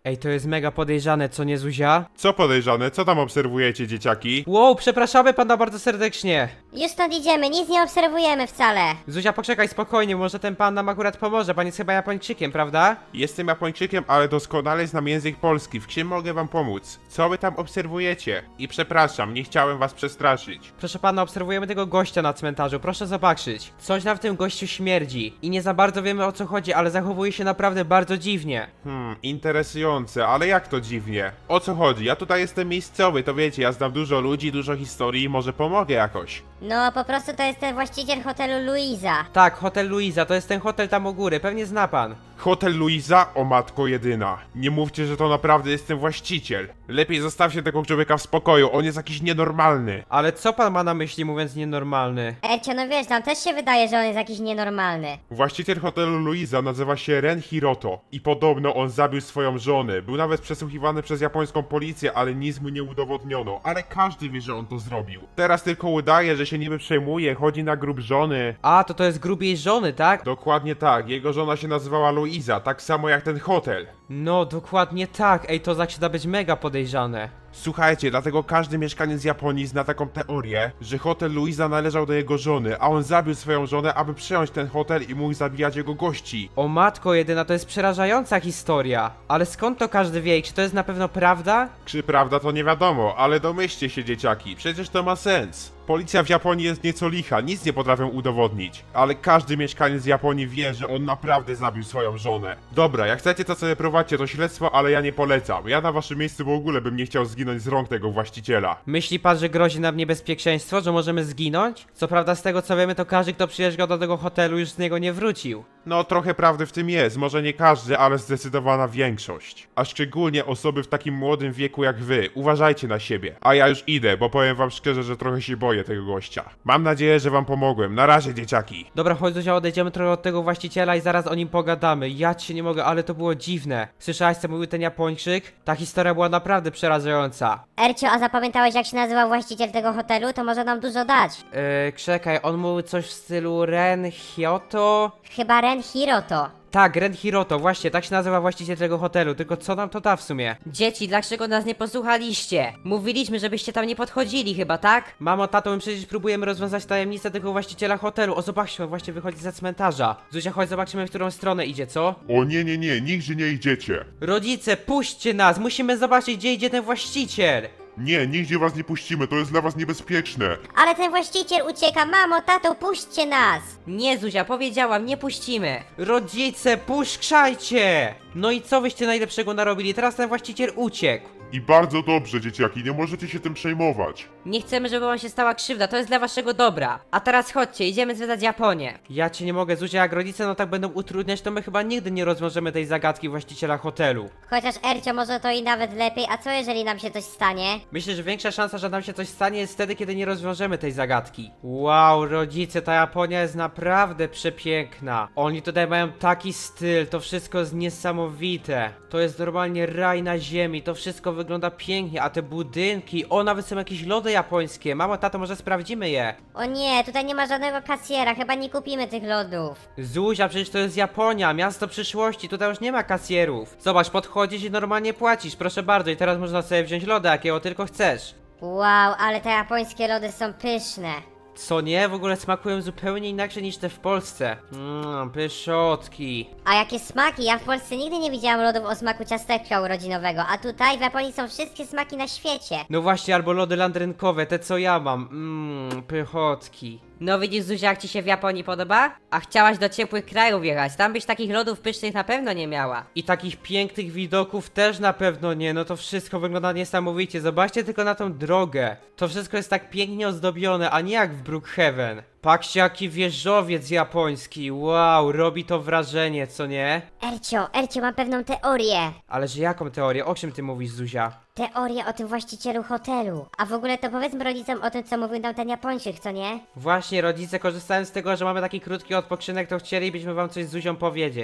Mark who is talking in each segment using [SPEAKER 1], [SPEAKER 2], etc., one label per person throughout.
[SPEAKER 1] Ej, to jest mega podejrzane, co nie, Zuzia?
[SPEAKER 2] Co podejrzane? Co tam obserwujecie, dzieciaki?
[SPEAKER 1] Wow, przepraszamy pana bardzo serdecznie.
[SPEAKER 3] Już stąd idziemy, nic nie obserwujemy wcale.
[SPEAKER 1] Zuzia, poczekaj spokojnie, może ten pan nam akurat pomoże. Pan jest chyba Japończykiem, prawda?
[SPEAKER 2] Jestem Japończykiem, ale doskonale znam język polski. W czym mogę wam pomóc? Co wy tam obserwujecie? I przepraszam, nie chciałem was przestraszyć.
[SPEAKER 1] Proszę pana, obserwujemy tego gościa na cmentarzu, proszę zobaczyć. Coś nam w tym gościu śmierdzi. I nie za bardzo wiemy, o co chodzi, ale zachowuje się naprawdę bardzo dziwnie.
[SPEAKER 2] Interesujące, ale jak to dziwnie? O co chodzi? Ja tutaj jestem miejscowy, to wiecie, ja znam dużo ludzi, dużo historii, może pomogę jakoś.
[SPEAKER 3] No, po prostu to jest ten właściciel hotelu Luiza.
[SPEAKER 1] Tak, hotel Luiza, to jest ten hotel tam u góry, pewnie zna pan.
[SPEAKER 2] Hotel Luiza? O matko jedyna. Nie mówcie, że to naprawdę jest ten właściciel. Lepiej zostawcie tego człowieka w spokoju, on jest jakiś nienormalny.
[SPEAKER 1] Ale co pan ma na myśli, mówiąc nienormalny?
[SPEAKER 3] Ercio, no wiesz, nam też się wydaje, że on jest jakiś nienormalny.
[SPEAKER 2] Właściciel hotelu Luiza nazywa się Ren Hiroto i podobno on zabił swoją żonę. Był nawet przesłuchiwany przez japońską policję, ale nic mu nie udowodniono. Ale każdy wie, że on to zrobił. Teraz tylko udaje, że się niby przejmuje, chodzi na grób żony.
[SPEAKER 1] A, to jest grób jej żony, tak?
[SPEAKER 2] Dokładnie tak, jego żona się nazywała Luiza, tak samo jak ten hotel.
[SPEAKER 1] No, dokładnie tak. Ej, to zaczyna być mega podejrzane.
[SPEAKER 2] Słuchajcie, dlatego każdy mieszkaniec Japonii zna taką teorię, że hotel Luiza należał do jego żony, a on zabił swoją żonę, aby przejąć ten hotel i mógł zabijać jego gości.
[SPEAKER 1] O matko jedyna, to jest przerażająca historia. Ale skąd to każdy wie? Czy to jest na pewno prawda?
[SPEAKER 2] Czy prawda to nie wiadomo, ale domyślcie się, dzieciaki, przecież to ma sens. Policja w Japonii jest nieco licha, nic nie potrafią udowodnić, ale każdy mieszkaniec Japonii wie, że on naprawdę zabił swoją żonę. Dobra, jak chcecie to sobie prowadźcie to śledztwo, ale ja nie polecam. Ja na waszym miejscu w ogóle bym nie chciał zginąć z rąk tego właściciela.
[SPEAKER 1] Myśli pan, że grozi nam niebezpieczeństwo, że możemy zginąć? Co prawda z tego co wiemy, to każdy, kto przyjeżdżał do tego hotelu, już z niego nie wrócił.
[SPEAKER 2] No, trochę prawdy w tym jest, może nie każdy, ale zdecydowana większość. A szczególnie osoby w takim młodym wieku jak wy. Uważajcie na siebie. A ja już idę, bo powiem wam szczerze, że trochę się boję tego gościa. Mam nadzieję, że wam pomogłem. Na razie, dzieciaki.
[SPEAKER 1] Dobra, chodź Zuzia, odejdziemy trochę od tego właściciela i zaraz o nim pogadamy. Ja cię nie mogę, ale to było dziwne. Słyszałaś, co mówił ten Japończyk? Ta historia była naprawdę przerażająca.
[SPEAKER 3] Ercio, a zapamiętałeś, jak się nazywał właściciel tego hotelu? To może nam dużo dać.
[SPEAKER 1] Czekaj, on mówił coś w stylu Ren Hyoto?
[SPEAKER 3] Chyba Ren Hiroto.
[SPEAKER 1] Tak, Ren Hiroto, właśnie, tak się nazywa właściciel tego hotelu, tylko co nam to da w sumie? Dzieci, dlaczego nas nie posłuchaliście? Mówiliśmy, żebyście tam nie podchodzili chyba, tak? Mamo, tato, my przecież próbujemy rozwiązać tajemnicę tego właściciela hotelu. O, zobaczmy, on właśnie wychodzi ze cmentarza. Zuzia, chodź, zobaczymy, w którą stronę idzie, co?
[SPEAKER 2] O nie, nigdzie nie idziecie.
[SPEAKER 1] Rodzice, puśćcie nas, musimy zobaczyć, gdzie idzie ten właściciel.
[SPEAKER 2] Nie, nigdzie was nie puścimy, to jest dla was niebezpieczne.
[SPEAKER 3] Ale ten właściciel ucieka, mamo, tato, puśćcie nas.
[SPEAKER 1] Nie, Zuzia, powiedziałam, nie puścimy. Rodzice, puszczajcie! No i co wyście najlepszego narobili? Teraz ten właściciel uciekł.
[SPEAKER 2] I bardzo dobrze, dzieciaki, nie możecie się tym przejmować.
[SPEAKER 1] Nie chcemy, żeby wam się stała krzywda, to jest dla waszego dobra. A teraz chodźcie, idziemy zwiedzać Japonię. Ja cię nie mogę, Zuzia, jak rodzice no tak będą utrudniać, to my chyba nigdy nie rozwiążemy tej zagadki właściciela hotelu.
[SPEAKER 3] Chociaż Ercio, może to i nawet lepiej, a co jeżeli nam się coś stanie?
[SPEAKER 1] Myślę, że większa szansa, że nam się coś stanie jest wtedy, kiedy nie rozwiążemy tej zagadki. Wow, rodzice, ta Japonia jest naprawdę przepiękna. Oni tutaj mają taki styl, to wszystko jest niesamowite. To jest normalnie raj na ziemi, to wszystko wygląda pięknie, a te budynki, o, nawet są jakieś lody japońskie. Mamo, tato, może sprawdzimy je.
[SPEAKER 3] O nie, tutaj nie ma żadnego kasjera, chyba nie kupimy tych lodów.
[SPEAKER 1] Zuzia, przecież to jest Japonia, miasto przyszłości, tutaj już nie ma kasjerów. Zobacz, podchodzisz i normalnie płacisz, proszę bardzo, i teraz można sobie wziąć loda, jakiego tylko chcesz.
[SPEAKER 3] Wow, ale te japońskie lody są pyszne.
[SPEAKER 1] Co nie? W ogóle smakują zupełnie inaczej niż te w Polsce. Pyszotki.
[SPEAKER 3] A jakie smaki? Ja w Polsce nigdy nie widziałam lodów o smaku ciasteczka urodzinowego, a tutaj w Japonii są wszystkie smaki na świecie.
[SPEAKER 1] No właśnie, albo lody landrynkowe, te co ja mam. Pychotki. No widzisz, Zuzia, jak ci się w Japonii podoba? A chciałaś do ciepłych krajów jechać, tam byś takich lodów pysznych na pewno nie miała. I takich pięknych widoków też na pewno nie, no to wszystko wygląda niesamowicie. Zobaczcie tylko na tą drogę. To wszystko jest tak pięknie ozdobione, a nie jak w Brookhaven. Patrzcie, jaki wieżowiec japoński, wow, robi to wrażenie, co nie?
[SPEAKER 3] Ercio, mam pewną teorię.
[SPEAKER 1] Ale że jaką teorię? O czym ty mówisz, Zuzia?
[SPEAKER 3] Teorię o tym właścicielu hotelu. A w ogóle to powiedzmy rodzicom o tym, co mówił nam ten Japończyk, co nie?
[SPEAKER 1] Właśnie, rodzice, korzystając z tego, że mamy taki krótki odpoczynek, to chcielibyśmy wam coś z Zuzią powiedzieć.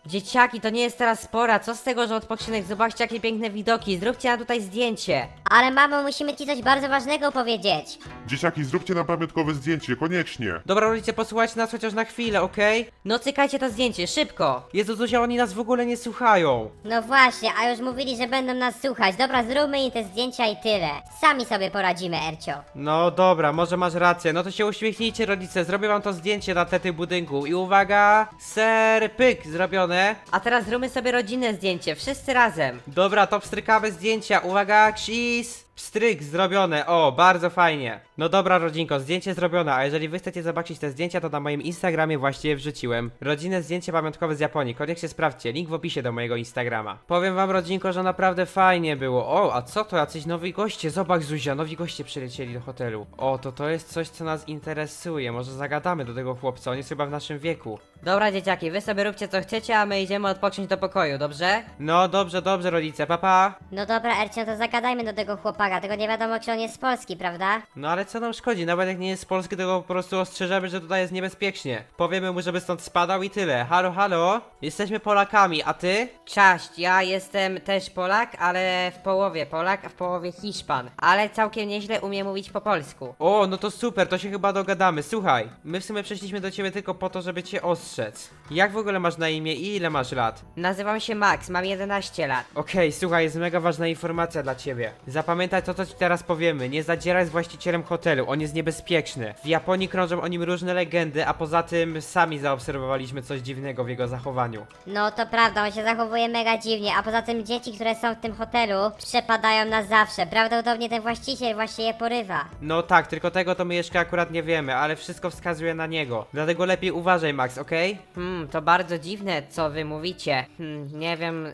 [SPEAKER 1] Dzieciaki, to nie jest teraz pora, co z tego, że odpoczynek? Zobaczcie, jakie piękne widoki, zróbcie nam tutaj zdjęcie.
[SPEAKER 3] Ale mamo, musimy ci coś bardzo ważnego powiedzieć.
[SPEAKER 2] Dzieciaki, zróbcie nam pamiątkowe zdjęcie, koniecznie.
[SPEAKER 1] Dobra, rodzice, posłuchajcie nas chociaż na chwilę, okej? No cykajcie to zdjęcie, szybko! Jezu, Zuzia, oni nas w ogóle nie słuchają.
[SPEAKER 3] No właśnie, a już mówili, że będą nas słuchać. Dobra, zróbmy im te zdjęcia i tyle. Sami sobie poradzimy, Ercio.
[SPEAKER 1] No dobra, może masz rację, no to się uśmiechnijcie, rodzice, zrobię wam to zdjęcie na tle tych budynku i uwaga, ser, pyk, zrobione. A teraz zróbmy sobie rodzinne zdjęcie, wszyscy razem. Dobra, to pstrykamy zdjęcia, uwaga, cheese. Pstryk zrobione, o, bardzo fajnie. No dobra, rodzinko, zdjęcie zrobione, a jeżeli wy chcecie zobaczyć te zdjęcia, to na moim Instagramie właśnie je wrzuciłem. Rodzinne zdjęcie pamiątkowe z Japonii, koniecznie sprawdźcie, link w opisie do mojego Instagrama. Powiem wam, rodzinko, że naprawdę fajnie było. O, a co to, jacyś nowi goście? Zobacz, Zuzia, nowi goście przylecieli do hotelu. O, to jest coś, co nas interesuje, może zagadamy do tego chłopca, on jest chyba w naszym wieku. Dobra, dzieciaki, wy sobie róbcie co chcecie, a my idziemy odpocząć do pokoju, dobrze? No, dobrze, dobrze, rodzice, papa.
[SPEAKER 3] No dobra, Ercio, to zagadajmy do tego chłopaka, tylko nie wiadomo, czy on jest z Polski, prawda?
[SPEAKER 1] No ale co nam szkodzi, nawet jak nie jest z Polski, to go po prostu ostrzeżemy, że tutaj jest niebezpiecznie. Powiemy mu, żeby stąd spadał i tyle. Halo, halo? Jesteśmy Polakami, a ty? Cześć, ja jestem też Polak, ale w połowie Polak, a w połowie Hiszpan. Ale całkiem nieźle umiem mówić po polsku. O, no to super, to się chyba dogadamy. Słuchaj, my w sumie przyszliśmy do ciebie tylko po to, żeby cię ostrzec. Jak w ogóle masz na imię i ile masz lat? Nazywam się Max, mam 11 lat. Okej, słuchaj, jest mega ważna informacja dla ciebie. Zapamiętaj to, co ci teraz powiemy. Nie zadzieraj z właścicielem hotelu, on jest niebezpieczny. W Japonii krążą o nim różne legendy, a poza tym sami zaobserwowaliśmy coś dziwnego w jego zachowaniu.
[SPEAKER 3] No to prawda, on się zachowuje mega dziwnie, a poza tym dzieci, które są w tym hotelu, przepadają na zawsze. Prawdopodobnie ten właściciel właśnie je porywa.
[SPEAKER 1] No tak, tylko tego to my jeszcze akurat nie wiemy, ale wszystko wskazuje na niego. Dlatego lepiej uważaj, Max, okej? To bardzo dziwne, co wy mówicie. Nie wiem,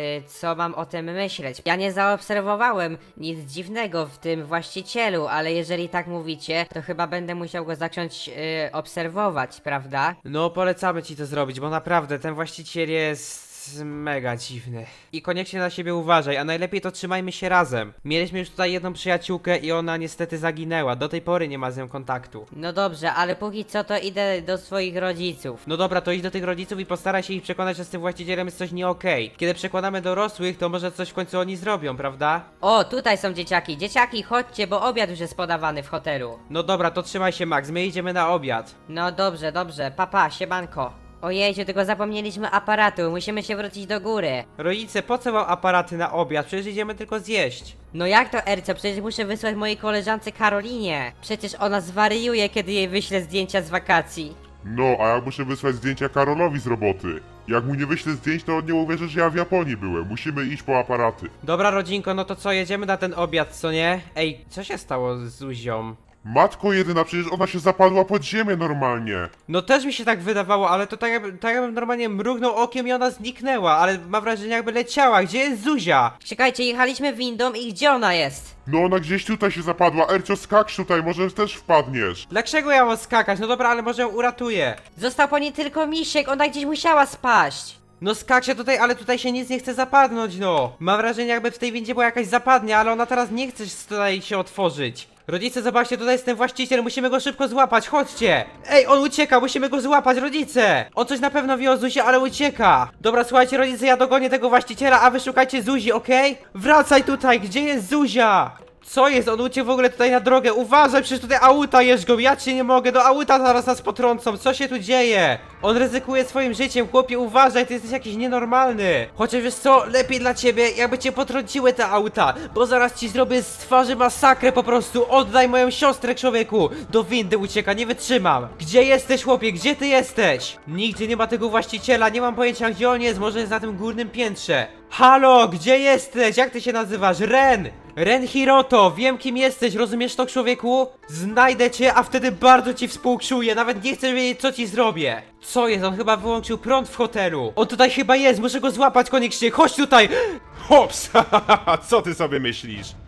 [SPEAKER 1] co mam o tym myśleć. Ja nie zaobserwowałem nic dziwnego w tym właścicielu, ale jeżeli tak mówicie, to chyba będę musiał go zacząć obserwować, prawda? No, polecamy ci to zrobić, bo naprawdę ten właściciel jest mega dziwny. I koniecznie na siebie uważaj, a najlepiej to trzymajmy się razem. Mieliśmy już tutaj jedną przyjaciółkę i ona niestety zaginęła. Do tej pory nie ma z nią kontaktu. No dobrze, ale póki co to idę do swoich rodziców. No dobra, to idź do tych rodziców i postaraj się ich przekonać, że z tym właścicielem jest coś nie okej. Kiedy przekonamy dorosłych, to może coś w końcu oni zrobią, prawda? O, tutaj są dzieciaki. Dzieciaki, chodźcie, bo obiad już jest podawany w hotelu. No dobra, to trzymaj się, Max, my idziemy na obiad. No dobrze, dobrze. Papa, siemanko. Ojejciu, tylko zapomnieliśmy aparatu, musimy się wrócić do góry. Rodzice, po co wam aparaty na obiad? Przecież idziemy tylko zjeść. No jak to, Ercio? Przecież muszę wysłać mojej koleżance Karolinie. Przecież ona zwariuje, kiedy jej wyślę zdjęcia z wakacji.
[SPEAKER 2] No, a ja muszę wysłać zdjęcia Karolowi z roboty. Jak mu nie wyślę zdjęć, to on nie uwierzy, że ja w Japonii byłem. Musimy iść po aparaty.
[SPEAKER 1] Dobra, rodzinko, no to co, jedziemy na ten obiad, co nie? Ej, co się stało z Zuzią?
[SPEAKER 2] Matko jedyna, przecież ona się zapadła pod ziemię normalnie.
[SPEAKER 1] No też mi się tak wydawało, ale to tak jakbym normalnie mrugnął okiem i ona zniknęła, ale mam wrażenie jakby leciała. Gdzie jest Zuzia? Czekajcie, jechaliśmy windą i gdzie ona jest?
[SPEAKER 2] No ona gdzieś tutaj się zapadła. Ercio, skacz tutaj, może też wpadniesz.
[SPEAKER 1] Dlaczego ja mam skakać? No dobra, ale może ją uratuję. Został po niej tylko misiek, ona gdzieś musiała spaść. No skakcie tutaj, ale tutaj się nic nie chce zapadnąć, no. Mam wrażenie jakby w tej windzie była jakaś zapadnia, ale ona teraz nie chce tutaj się otworzyć. Rodzice, zobaczcie, tutaj jest ten właściciel, musimy go szybko złapać, chodźcie! Ej, on ucieka, musimy go złapać, rodzice! On coś na pewno wie o Zuzi, ale ucieka! Dobra, słuchajcie, rodzice, ja dogonię tego właściciela, a wy szukajcie Zuzi, okej? Wracaj tutaj, gdzie jest Zuzia? Co jest? On uciekł w ogóle tutaj na drogę, uważaj, przecież tutaj auta jeżdżą, ja cię nie mogę, do auta zaraz nas potrącą, co się tu dzieje? On ryzykuje swoim życiem, chłopie, uważaj, ty jesteś jakiś nienormalny. Chociaż wiesz co, lepiej dla ciebie, jakby cię potrąciły te auta, bo zaraz ci zrobię z twarzy masakrę po prostu, oddaj moją siostrę, człowieku. Do windy ucieka, nie wytrzymam. Gdzie jesteś, chłopie, gdzie ty jesteś? Nigdzie nie ma tego właściciela, nie mam pojęcia gdzie on jest, może jest na tym górnym piętrze. Halo, gdzie jesteś? Jak ty się nazywasz? Ren! Ren Hiroto, wiem kim jesteś, rozumiesz to, człowieku? Znajdę cię, a wtedy bardzo ci współczuję, nawet nie chcesz wiedzieć co ci zrobię. Co jest? On chyba wyłączył prąd w hotelu. On tutaj chyba jest, muszę go złapać koniecznie, chodź tutaj!
[SPEAKER 2] Hops, co ty sobie myślisz?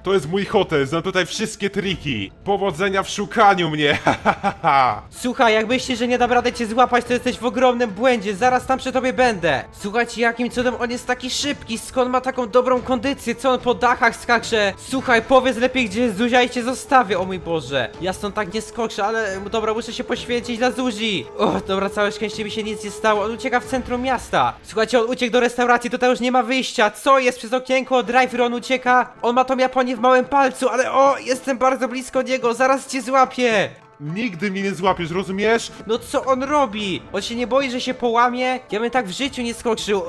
[SPEAKER 2] To jest mój hotel, znam tutaj wszystkie triki. Powodzenia w szukaniu mnie,
[SPEAKER 1] Słuchaj, jak myślisz, że nie dam rady cię złapać, to jesteś w ogromnym błędzie, zaraz tam przy tobie będę. Słuchajcie, jakim cudem on jest taki szybki, skąd ma taką dobrą kondycję, co on po dachach skacze. Słuchaj, powiedz lepiej, gdzie jest Zuzia i cię zostawię, o mój Boże. Ja stąd tak nie skoczę, ale dobra, muszę się poświęcić dla Zuzi. O, dobra, całe szczęście mi się nic nie stało, on ucieka w centrum miasta. Słuchajcie, on uciekł do restauracji, tutaj już nie ma wyjścia. Co jest przez okienko, driver, on ucieka. On ma tą Japonię w małym palcu, ale o, jestem bardzo blisko niego, zaraz cię złapię.
[SPEAKER 2] Nigdy mnie nie złapiesz, rozumiesz?
[SPEAKER 1] No co on robi? On się nie boi, że się połamie? Ja bym tak w życiu nie skoczył.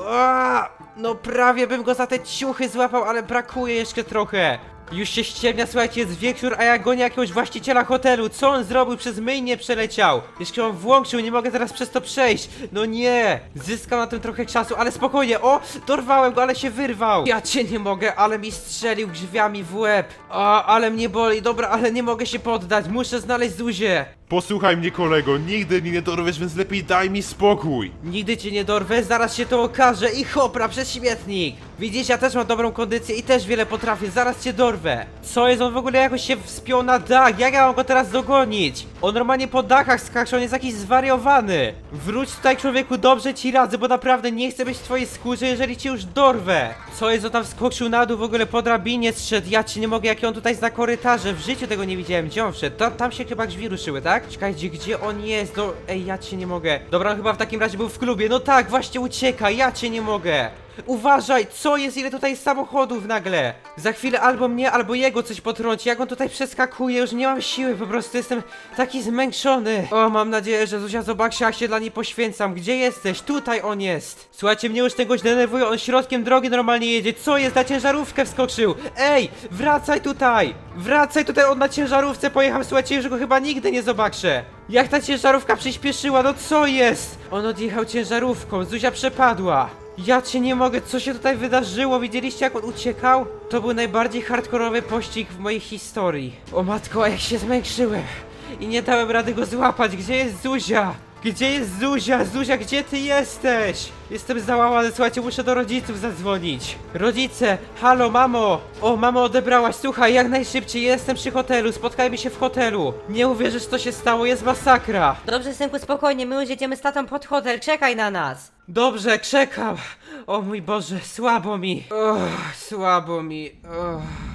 [SPEAKER 1] No prawie bym go za te ciuchy złapał, ale brakuje jeszcze trochę. Już się ściemnia, słuchajcie, jest wieczór, a ja gonię jakiegoś właściciela hotelu. Co on zrobił? Przez myjnię przeleciał. Jeszcze on włączył, nie mogę teraz przez to przejść. No nie. Zyskał na tym trochę czasu, ale spokojnie. O, dorwałem go, ale się wyrwał. Ja cię nie mogę, ale mi strzelił drzwiami w łeb. Ale mnie boli. Dobra, ale nie mogę się poddać. Muszę znaleźć Zuzię.
[SPEAKER 2] Posłuchaj mnie, kolego, nigdy mnie nie dorwiesz, więc lepiej daj mi spokój.
[SPEAKER 1] Nigdy cię nie dorwę, zaraz się to okaże i hopra przez śmietnik. Widzisz, ja też mam dobrą kondycję i też wiele potrafię, zaraz cię dorwę. Co jest, on w ogóle jakoś się wspiął na dach, jak ja mam go teraz dogonić? On normalnie po dachach skacze, on jest jakiś zwariowany. Wróć tutaj, człowieku, dobrze ci radzę, bo naprawdę nie chcę być w twojej skórze, jeżeli cię już dorwę. Co jest, on tam wskoczył na dół, w ogóle po drabinie zszedł, ja ci nie mogę, jak on tutaj zna korytarze, w życiu tego nie widziałem, gdzie on wszedł? Tam się chyba drzwi ruszyły, tak? Czekajcie, gdzie on jest? No, ej, ja cię nie mogę. Dobra, on chyba w takim razie był w klubie. No tak, właśnie ucieka, ja cię nie mogę. Uważaj, co jest? Ile tutaj jest samochodów nagle? Za chwilę albo mnie, albo jego coś potrąci. Jak on tutaj przeskakuje, już nie mam siły, po prostu jestem taki zmęczony. O, mam nadzieję, że Zuzia zobaczy, jak się dla niej poświęcam. Gdzie jesteś? Tutaj on jest. Słuchajcie, mnie już tego denerwuje, on środkiem drogi normalnie jedzie. Co jest? Na ciężarówkę wskoczył. Ej, wracaj tutaj. Wracaj tutaj, on na ciężarówce pojechał. Słuchajcie, już go chyba nigdy nie zobaczę. Jak ta ciężarówka przyspieszyła, no co jest? On odjechał ciężarówką, Zuzia przepadła. Ja cię nie mogę, co się tutaj wydarzyło? Widzieliście, jak on uciekał? To był najbardziej hardkorowy pościg w mojej historii. O matko, a jak się zmęczyłem i nie dałem rady go złapać. Gdzie jest Zuzia? Gdzie jest Zuzia? Zuzia, gdzie ty jesteś? Jestem załamany, słuchajcie, muszę do rodziców zadzwonić. Rodzice, halo, mamo! O, mamo, odebrałaś, słuchaj, jak najszybciej, jestem przy hotelu, spotkajmy się w hotelu. Nie uwierzysz, co się stało, jest masakra. Dobrze, synku, spokojnie, my już jedziemy z tatą pod hotel, czekaj na nas. Dobrze, czekam. O mój Boże, słabo mi. Słabo mi.